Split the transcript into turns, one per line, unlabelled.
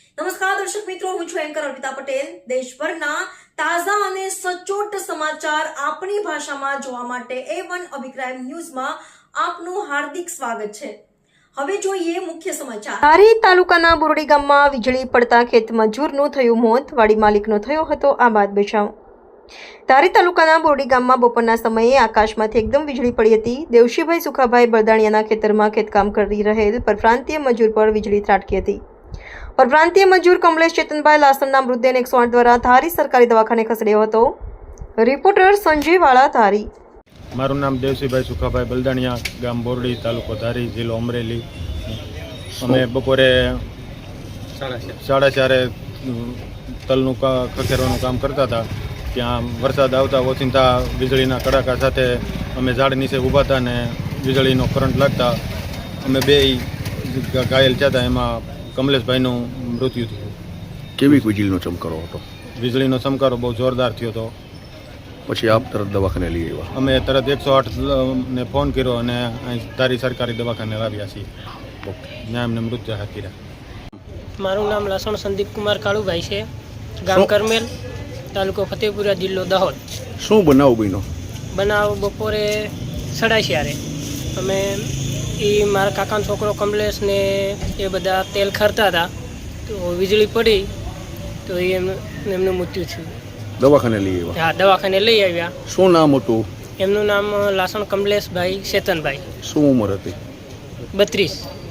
નમસ્કાર દર્શક મિત્રો, હું છું એન્કર અર્પિતા પટેલ। દેશભરના તાજા અને સચોટ સમાચાર આપણી ભાષામાં જોવા માટે A1 અભિપ્રાય ન્યૂઝમાં આપનું હાર્દિક સ્વાગત છે। હવે જોઈએ મુખ્ય સમાચાર। ધારી તાલુકાના બોરડી ગામમાં વીજળી પડતા ખેત મજૂરનું થયું મોત, વાડી માલિકનો થયો હતો આબાદ બચાવ। ધારી તાલુકાના બોરડી ગામમાં બપોરના સમયે આકાશમાંથી એકદમ વીજળી પડી હતી। દેવશીભાઈ સુખાભાઈ બળદાણિયાના ખેતરમાં ખેતકામ કરી રહેલ પરપ્રાંતીય મજૂર પર વીજળી ત્રાટકી હતી। પરપ્રાંતીય મજૂર કમલેશ ચેતનભાઈ લાસણના મૃતદેહને 108 દ્વારા ધારી સરકારી દવાખાને ખસેડ્યો હતો। રિપોર્ટર સંજય વાળા, ધારી।
મારું નામ દેવશીભાઈ સુખાભાઈ બલદાણિયા, ગામ બોરડી, તાલુકો ધારી, જિલ્લો અમરેલી। અમે બપોરે 4:30 તલનું ખખેરવાનું કામ કરતા હતા। ત્યાં વરસાદ આવતા ઓચિંતા વીજળીના કડાકા સાથે અમે ઝાડ નીચે ઊભા હતા ને વીજળીનો કરંટ લાગતા અમે બે ઘાયલ થયા હતા। એમાં કમલેશભાઈનું મૃત્યુ થયું।
કેવી વીજળીનો ચમકારો હતો?
વીજળીનો ચમકારો બહુ જોરદાર થયો હતો।
પછી આપ તરત દવાખાને લઈ આવ્યા?
અમે તરત 108 ને ફોન કર્યો અને અહીં ધારી સરકારી દવાખાને લાવ્યા છીએ। ત્યાં એમને મૃત્યુ હાથ કર્યા।
મારું નામ લાસણ સંદીપ કુમાર કાળુભાઈ છે, ગામ કરમેલ, તાલુકો ફતેપુરા, જિલ્લો દાહોદ।
શું બનાવ બન્યો?
બનાવ બપોરે 4:30 અમે મારા કાકાનો છોકરો કમલેશ ને એ બધા તેલ ખરતા હતા તો વીજળી પડી તો એમનું મૃત્યુ થયું।
દવાખાને લઈ આવ્યા?
હા, દવાખાને લઈ આવ્યા।
શું નામ હતું?
એમનું નામ લાસણ કમલેશભાઈ ચેતનભાઈ।
શું ઉંમર હતી?
32।